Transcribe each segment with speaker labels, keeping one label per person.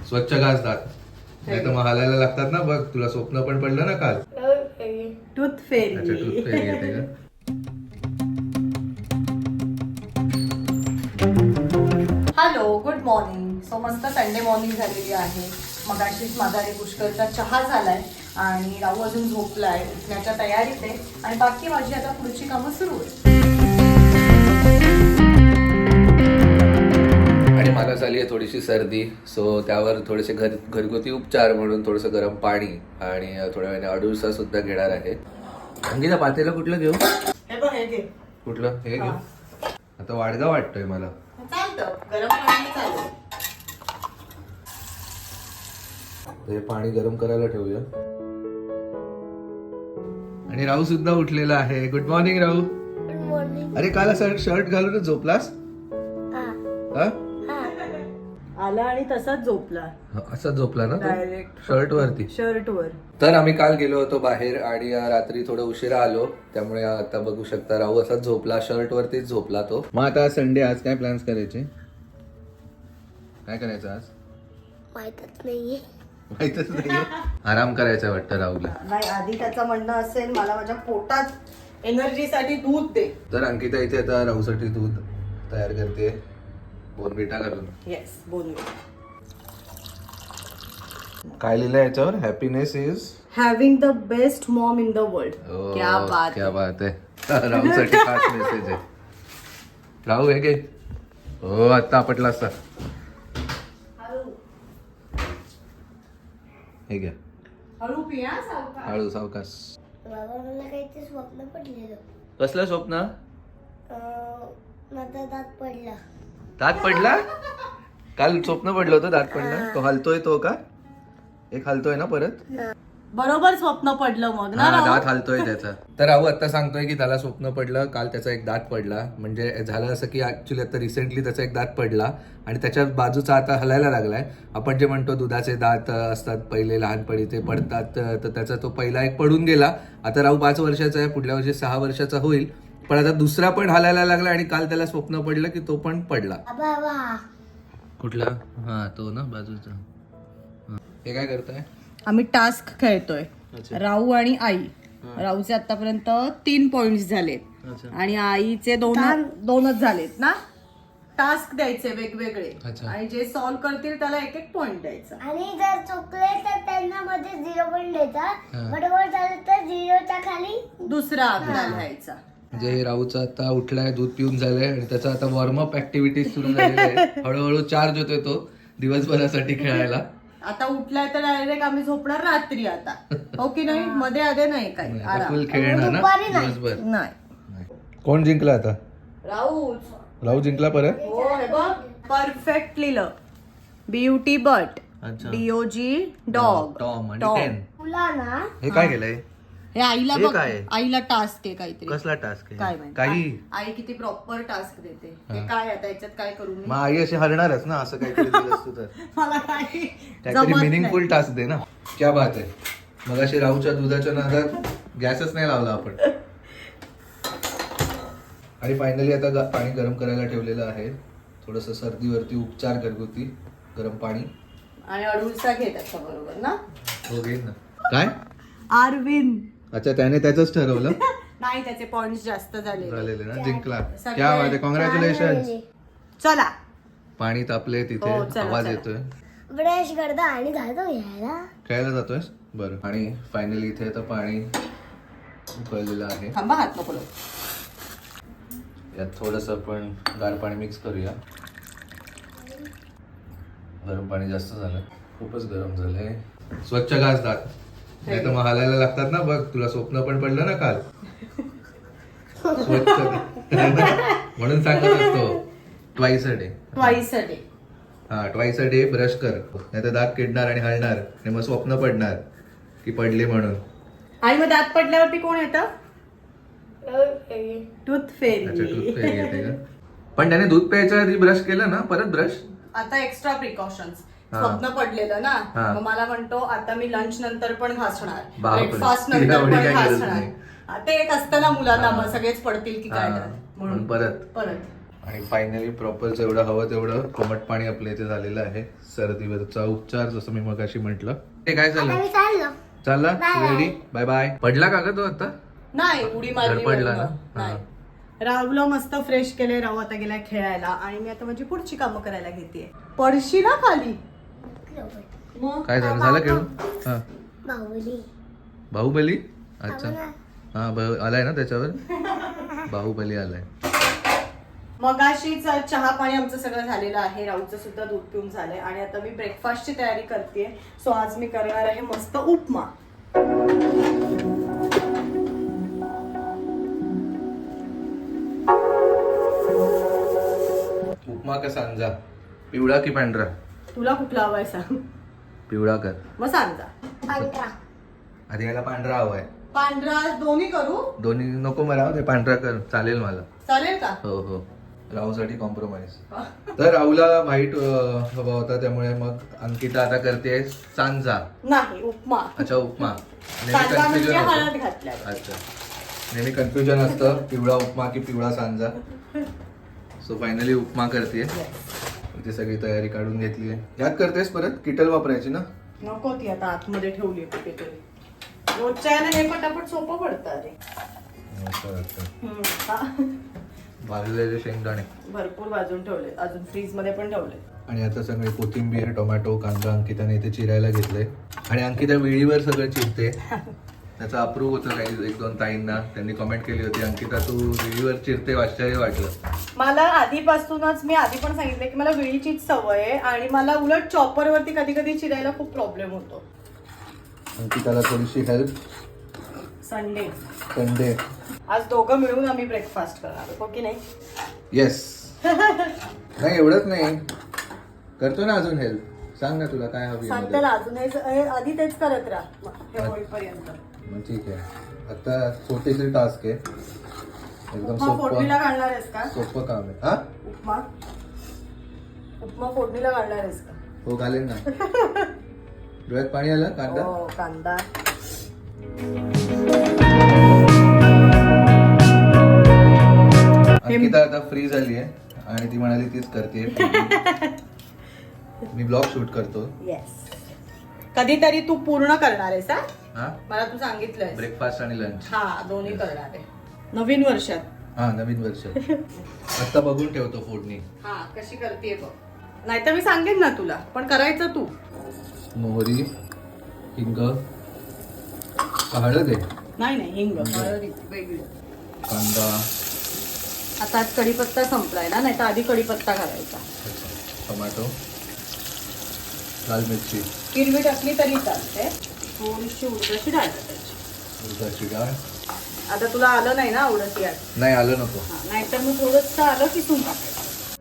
Speaker 1: स्वच्छ घास दात, नाही तर मग हालायला लागतात ना. बघ तुला स्वप्न पण पडलं ना काल.
Speaker 2: टूथ
Speaker 1: अच्छा,
Speaker 2: फेरी.
Speaker 1: टूथ फेरी येते का?
Speaker 2: Hello, good morning. सो मस्त संडे मॉर्निंग झालेली आहे. मगाशीच माझा आणि पुष्करचा चहा झालाय आणि राहू अजून झोपलाय, उठण्याच्या तयारीत आहे आणि बाकी माझी आता पुढची कामं सुरू आहे.
Speaker 1: आणि मला झाली आहे थोडीशी सर्दी, सो त्यावर थोडेसे घरगुती उपचार म्हणून थोडंसं गरम पाणी आणि थोड्या वेळाने अडुळसा सुद्धा घेणार आहे. अंकिता, पातेलं कुठलं घेऊ?
Speaker 2: हे बघ, हे घे.
Speaker 1: कुठलं? हे घेऊ. आता वाडगा वाटतोय मला.
Speaker 2: चालतं, गरम पाणी चालेल.
Speaker 1: हे पाणी गरम करायला ठेवूया. आणि राहू सुद्धा उठलेला आहे. Good morning Rahu.
Speaker 3: Good morning.
Speaker 1: अरे काल असं शर्ट घालूनच झोपलास? हा?
Speaker 2: आला आणि तसाच झोपला
Speaker 1: असा झोपला ना
Speaker 2: डायरेक्ट
Speaker 1: शर्ट वरती.
Speaker 2: शर्ट वर.
Speaker 1: तर आम्ही काल गेलो होतो बाहेर आणि रात्री थोडं उशिरा आलो, त्यामुळे आता बघू शकता राहू असाच झोपला, शर्ट वरतीच झोपला तो. मग आता संडे, आज काय प्लॅन्स करायचे? काय करायचं आज?
Speaker 3: माहितच नाहीये.
Speaker 1: माहितच नाही. आराम करायचा वाटतं राहूला.
Speaker 2: नाही, आधी त्याचं म्हणणं असेल मला माझ्या पोटात एनर्जीसाठी दूध दे.
Speaker 1: तर अंकिता इथे आता राहूसाठी दूध तयार करते, बोर्नव्हिटा घालून.
Speaker 2: येस, बोलू.
Speaker 1: काय लिहिलंय याच्यावर? Happiness is
Speaker 2: having the best mom in the world. क्या बात
Speaker 1: क्या बात आहे. राहूसाठी खास मेसेज आहे. राहू हे घे. हो, आता आपटला असता. हे घ्या.
Speaker 2: हळू पिया, सावकाश.
Speaker 1: हळू, सावकाश.
Speaker 3: बाबा मला काहीतरी स्वप्न पडलेलं.
Speaker 1: कसलं स्वप्न?
Speaker 3: माझा दात पडला.
Speaker 1: दात पडला? काल स्वप्न पडलं होतं दात पडला. तो हलतोय, तो का एक हलतोय ना परत?
Speaker 2: बरोबर स्वप्न पडलं मग ना.
Speaker 1: हा, दात हलतोय त्याचा. तर राहू आता सांगतोय की त्याला स्वप्न पडलं काल, त्याचा एक दात पडला. म्हणजे झालं असं की ऍक्च्युली आता रिसेंटली त्याचा एक दात पडला आणि त्याच्या बाजूचा आता हलायला लागलाय. आपण जे म्हणतो दुधाचे दात असतात पहिले लहानपणी ते पडतात, तर त्याचा तो पहिला एक पडून गेला. आता राहू 5 वर्षाचा आहे, पुढल्या वर्षी 6 वर्षाचा होईल, पण आता दुसरा पण हलायला लागला आणि काल त्याला स्वप्न पडलं की तो पण पडला.
Speaker 3: बाबा
Speaker 1: कुठला? हा, तो ना बाजूचा. हे काय करताय?
Speaker 2: आम्ही टास्क खेळतोय,
Speaker 1: अच्छा.
Speaker 2: राहू आणि आई. राहूचे आतापर्यंत 3 पॉइंट्स झालेत
Speaker 1: अच्छा.
Speaker 2: आणि आईचे 2च झालेत ना. टास्क द्यायचे वेगवेगळे
Speaker 1: अच्छा.
Speaker 2: आणि जे सॉल्व्ह करतील त्याला 1-1 पॉइंट द्यायचा.
Speaker 3: आणि जर चुकले तर त्यांना मध्ये 0 पॉइंट द्यायचा. बरोबर झालं तर 0च्या खाली
Speaker 2: दुसरा आकडा लिहायचा.
Speaker 1: म्हणजे राहूचा आता उठलाय, दूध पिऊन झालंय आणि त्याचा आता वॉर्मअप ऍक्टिव्हिटीज सुरू झालेली आहे. हळूहळू चार्ज होतोय तो दिवसभरासाठी खेळायला.
Speaker 2: आता उठलाय तर डायरेक्ट आम्ही झोपणार रात्री आता, हो की नाही? मध्ये आधे नाही काही आराम.
Speaker 1: फुल खेळणार ना
Speaker 3: दुपारी नाही.
Speaker 1: दिवसभर.
Speaker 2: नाही.
Speaker 1: कोण जिंकला आता?
Speaker 2: राहूच.
Speaker 1: राहू जिंकला परत.
Speaker 2: हो, हे बघ परफेक्ट लिहिलं. ब्युटी बट,
Speaker 1: अच्छा.
Speaker 2: DOG डॉग,
Speaker 1: टॉम आणि
Speaker 2: टॉम.
Speaker 1: केन.
Speaker 3: तुला ना
Speaker 1: हे काय केलंय?
Speaker 2: हे आईला
Speaker 1: हे
Speaker 2: बघ,
Speaker 1: काय आहे?
Speaker 2: आईला टास्क आहे काहीतरी.
Speaker 1: कसला टास्क
Speaker 2: काय
Speaker 1: आहे?
Speaker 2: माहिती?
Speaker 1: काही
Speaker 2: आई किती प्रॉपर टास्क देते. हे काय आता याच्यात काय करू मी?
Speaker 1: मग आई अशी हरणारच ना असं काहीतरी दिलं असतं तर.
Speaker 2: मला काही
Speaker 1: काहीतरी
Speaker 2: जमत
Speaker 1: मिनिंगफुल
Speaker 2: नाही.
Speaker 1: टास्क दे ना. क्या बात आहे. मग अशी राहूच्या दुधाच्या नादात गॅसच नाही लावला आपण. आणि फायनली आता पाणी गरम करायला ठेवलेलं आहे. थोडस सर्दीवरती उपचार घरगुती गरम पाणी.
Speaker 2: आणि अडुळसा घे त्याच्या बरोबर ना.
Speaker 1: हो, घेईन ना. काय?
Speaker 2: अरविंद.
Speaker 1: अच्छा, त्याने त्याच ठरवलं.
Speaker 2: नाही, त्याचे पॉइंट्स जास्त
Speaker 1: झालेले ना, जिंकला.
Speaker 2: सगळे-
Speaker 1: क्या बात आहे, कॉंग्रॅच्युलेशन.
Speaker 2: चला.
Speaker 1: पाणी तापले तिथे,
Speaker 2: हो, चला,
Speaker 1: आवाज
Speaker 2: चला.
Speaker 1: येतोय.
Speaker 3: ब्रश करता आणि घालतो घ्यायला.
Speaker 1: खेळायला जातोयस? बरं. आणि फायनली इथे आता पाणी उकळलेलं आहे.
Speaker 2: थांबा, हात नको लावू.
Speaker 1: यात थोडस आपण गार पाणी मिक्स करूया. गरम पाणी जास्त झालं, खूपच गरम झालंय. स्वच्छ घास दात, नाही तर मग हालायला लागतात ना. बघ तुला स्वप्न पण पडलं ना काल. स्वच्छ म्हणून सांगत असतो twice a day.
Speaker 2: Twice a day.
Speaker 1: हा, ट्वाइस अ डे ब्रश कर, नाही तर दात किडणार आणि हलणार आणि मग स्वप्न पडणार की पडले म्हणून.
Speaker 2: आणि मग दात पडल्यावरती कोण येतं? टूथ
Speaker 1: अच्छा,
Speaker 2: फेरी.
Speaker 1: टूथ फेरी येते का? पण त्याने दूध प्यायच्या आधी ब्रश केलं ना, परत ब्रश.
Speaker 2: आता एक्स्ट्रा प्रिकॉशन्स.
Speaker 1: हा.
Speaker 2: स्वप्न पडलेलं ना,
Speaker 1: हा.
Speaker 2: मग मला म्हणतो आता मी लंच नंतर पण घासणार,
Speaker 1: बापरे.
Speaker 2: ब्रेकफास्ट नंतर
Speaker 1: एवढी
Speaker 2: पण
Speaker 1: काय गरज
Speaker 2: घासणार.
Speaker 1: नाही.
Speaker 2: ते एक असतं ना मुलांना,
Speaker 1: हा.
Speaker 2: मग सगळेच पडतील की काय
Speaker 1: हा.
Speaker 2: तर.
Speaker 1: म्हणून परत.
Speaker 2: परत
Speaker 1: आणि फायनली प्रॉपर जेवढं हवं तेवढं कोमट पाणी आपल्या इथे झालेलं आहे. सर्दीवरचा उपचार जसं मी मगाशी म्हटलं. ते काय
Speaker 3: आता
Speaker 1: झालं?
Speaker 3: मी चाललो.
Speaker 1: चालला
Speaker 3: Bye.
Speaker 1: रेडी? Bye bye. पडला का ग तो आता?
Speaker 2: नाही उडी मारली
Speaker 1: पडला
Speaker 2: वरनं.
Speaker 1: ना?
Speaker 2: नाही. राहुला मस्त फ्रेश केले. राहू आता गेलाय खेळायला आणि मी आता माझी पुढची कामं करायला घेते. पडशी ना खाली. मग
Speaker 1: काय झालं? झालं खेळून? हा.
Speaker 3: बाहुबली.
Speaker 1: बाहुबली? अच्छा.
Speaker 3: आवडला.
Speaker 1: हा आलाय ना त्याच्यावर? बाहुबली आलाय.
Speaker 2: मगाशीच चहा पाणी आमचं सगळं झालेलं आहे. राहूचं सुद्धा दूध पिऊन झालंय आणि आता मी ब्रेकफास्टची तयारी करते. सो आज मी करणार आहे मस्त उपमा.
Speaker 1: उपमा का सांजा? पिवळा की पांढरा?
Speaker 2: तुला कुठला हवाय सांग.
Speaker 1: पिवळा कर.
Speaker 2: मग सांगा.
Speaker 3: पांढरा.
Speaker 1: आधी याला पांढरा हवाय.
Speaker 2: पांढरा दोन्ही करू?
Speaker 1: दोन्ही नको मला, ते पांढरा कर चालेल मला.
Speaker 2: चालेल का?
Speaker 1: हो हो. राहूसाठी कॉम्प्रोमाइज. तर राहूला व्हाईट हवा होता त्यामुळे मग अंकिता आता करते सांजा.
Speaker 2: नाही उपमा.
Speaker 1: अच्छा उपमा.
Speaker 2: सांजा म्हणजे
Speaker 1: होतं.
Speaker 2: हळद घातल्यावर.
Speaker 1: अच्छा. नेहमी कन्फ्युजन असतं पिवळा उपमा की पिवळा सांजा. सो फायनली उपमा करते. इथे सगळी तयारी काढून घेतली आहे. याद करतेस परत किटल वापरायची ना?
Speaker 2: नको ती आता आतमध्ये ठेवली कुठेतरी. रोजच्या यानं हे पटापट सोपं पडतं रे. हा.
Speaker 1: भाजलेले शेंगदाणे
Speaker 2: भरपूर भाजून ठेवले. अजून फ्रीज मध्ये पण ठेवले.
Speaker 1: आणि आता सगळे कोथिंबीर टोमॅटो कांदा अंकिताने इथे चिरायला घेतलंय. आणि अंकिता वेळीवर सगळं चिरते. त्याचं अप्रूव्ह होतं काही एक दोन ताईंना. त्यांनी कमेंट केली होती अंकिता तू वेळीवर चिरते, आश्चर्य वाटलं.
Speaker 2: मला आधीपासूनच मी आधी पण सांगितलं की मला वेळीचीच सवय आहे आणि मला उलट चॉपर वरती कधी कधी चिरायला खूप प्रॉब्लेम होतो.
Speaker 1: अंकिताला थोडीशी हेल्प.
Speaker 2: संडे आज दोघं मिळून आम्ही ब्रेकफास्ट करणार हो की नाही?
Speaker 1: येस. नाही एवढंच नाही, करतो ना अजून हेल्प. सांग ना तुला काय हवी
Speaker 2: सांगते ना अजून आधी तेच करत राहा हे होईपर्यंत.
Speaker 1: मग ठीक आहे. आता छोटीशी टास्क आहे, एकदम
Speaker 2: उपमा फोडणीला
Speaker 1: सोपं
Speaker 2: घालणार आहेस का?
Speaker 1: सोपं काम आहे. हा
Speaker 2: उपमा फोडणीला घालणार आहेस का?
Speaker 1: हो घालेन ना. डोळ्यात पाणी आलं. कांदा
Speaker 2: हो कांदा.
Speaker 1: अंकिता आता फ्री झाली आहे आणि ती म्हणाली तीच करते. मी ब्लॉग शूट करतो.
Speaker 2: येस. कधीतरी तू पूर्ण करणार आहेस हा?
Speaker 1: हा
Speaker 2: मला तू सांगितलंय.
Speaker 1: ब्रेकफास्ट आणि लंच.
Speaker 2: हा दोन्ही करणार आहे नवीन वर्षात.
Speaker 1: हा नवीन वर्ष. आता बघून ठेवतो फोडणी.
Speaker 2: हा कशी करते बघ. नाहीतर मी सांगेन ना तुला, पण करायचं तू.
Speaker 1: मोहरी, हिंग, हळद आहे,
Speaker 2: नाही हिंग वेगळी.
Speaker 1: कांदा,
Speaker 2: आता आज कढीपत्ता संपलाय ना, नाही तर आधी कढीपत्ता घालायचा.
Speaker 1: टोमॅटो, लाल मिरची,
Speaker 2: हिरवी टाकली तरी चालते. थोडीशी उडदाची डाळ टाकायची.
Speaker 1: उडदाची डाळ.
Speaker 2: आता तुला आलं नाही ना उडदाची डाळ?
Speaker 1: नाही आलं नको.
Speaker 2: नाहीतर मग थोडंसं आलं किसून टाकायचं.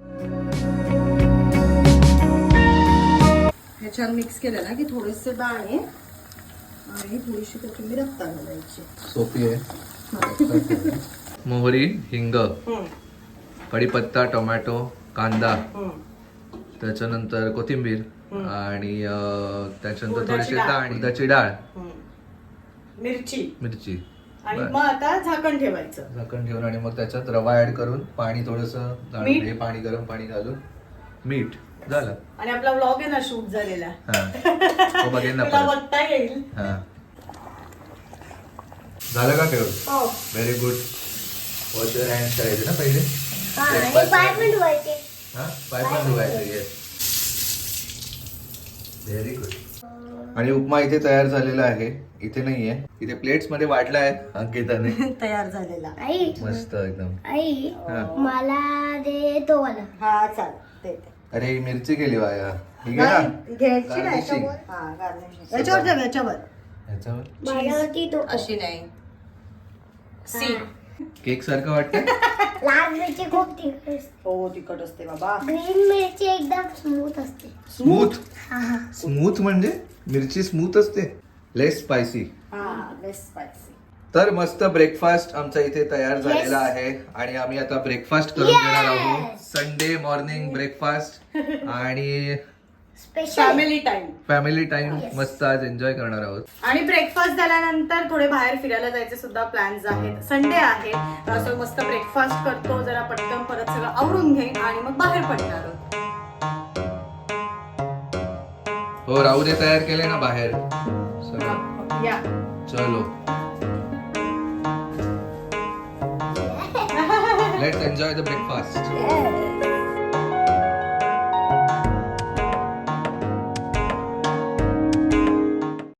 Speaker 2: हे छान मिक्स केलं ना की थोडेसे दाणे आणि थोडीशी कोथिंबीर रस्ता घालायची.
Speaker 1: सोपी आहे. मोहरी, हिंग, कढीपत्ता, टोमॅटो, कांदा, त्याच्यानंतर कोथिंबीर आणि त्याच्यानंतर थोडीशी डाळ, उडदाची डाळ, मिरची
Speaker 2: आणि मग आता झाकण ठेवायचं.
Speaker 1: झाकण ठेवून आणि मग त्याच्यात रवा ऍड करून पाणी थोडंसं
Speaker 2: मीठ?
Speaker 1: हे पाणी गरम पाणी घालून मीठ झालं.
Speaker 2: आणि आपला व्लॉग आहे ना शूट झालेला,
Speaker 1: हा तो बघेन ना
Speaker 2: तुला
Speaker 1: परत.
Speaker 2: बघता येईल.
Speaker 1: हा झालं का ठेवून?
Speaker 2: हो.
Speaker 1: Very good. Wash your hands करायचे ना पहिले.
Speaker 3: हा, आणि पाय पण धुवायचे.
Speaker 1: हा पाय पण धुवायचे. Yes very good. आणि उपमा इथे तयार झालेला आहे. इथे नाहीये, इथे प्लेट्स मध्ये वाटला आहे अंकिताने.
Speaker 2: तयार झालेला.
Speaker 3: आई
Speaker 1: मस्त एकदम.
Speaker 3: आई
Speaker 1: हा.
Speaker 3: मला दे तो वाला.
Speaker 2: हा चाल ते.
Speaker 1: अरे ही मिरची गेली वाया. ही घे ना.
Speaker 2: घ्यायची नाही
Speaker 1: Garnishing.
Speaker 2: याच्यावर. हा गार्निशिंग याच्यावर ठेव याच्यावर.
Speaker 1: ह्याच्यावर
Speaker 3: माझ्यावरती तो
Speaker 2: अशी नाही. सी
Speaker 1: केक सारखं वाटतं.
Speaker 3: लाल मिरची खूप तिखट असते.
Speaker 2: हो तिखट असते बाबा.
Speaker 3: ग्रीन मिरची एकदम स्मूथ असते.
Speaker 1: स्मूथ.
Speaker 3: हा हा.
Speaker 1: स्मूथ म्हणजे मिरची स्मूथ असते, लेस स्पायसी.
Speaker 2: हा लेस स्पायसी.
Speaker 1: तर मस्त ब्रेकफास्ट आमचा इथे तयार झालेला आहे आणि आम्ही आता ब्रेकफास्ट करून घेणार आहोत. Sunday morning breakfast. आणि
Speaker 3: special
Speaker 2: family time.
Speaker 1: Family time
Speaker 3: Yes.
Speaker 1: मस्त आज एन्जॉय करणार आहोत.
Speaker 2: आणि ब्रेकफास्ट झाल्यानंतर थोडे बाहेर फिरायला जायचे सुद्धा प्लॅन्स आहेत. संडे आहे, असं मस्त ब्रेकफास्ट करतो, जरा पटकन परत सगळं आवरून घेईन आणि मग बाहेर पडणार आहोत.
Speaker 1: हो राहू दे, तयार केले ना बाहेर सगळं.
Speaker 2: या
Speaker 1: चलो लेट्स एन्जॉय द ब्रेकफास्ट.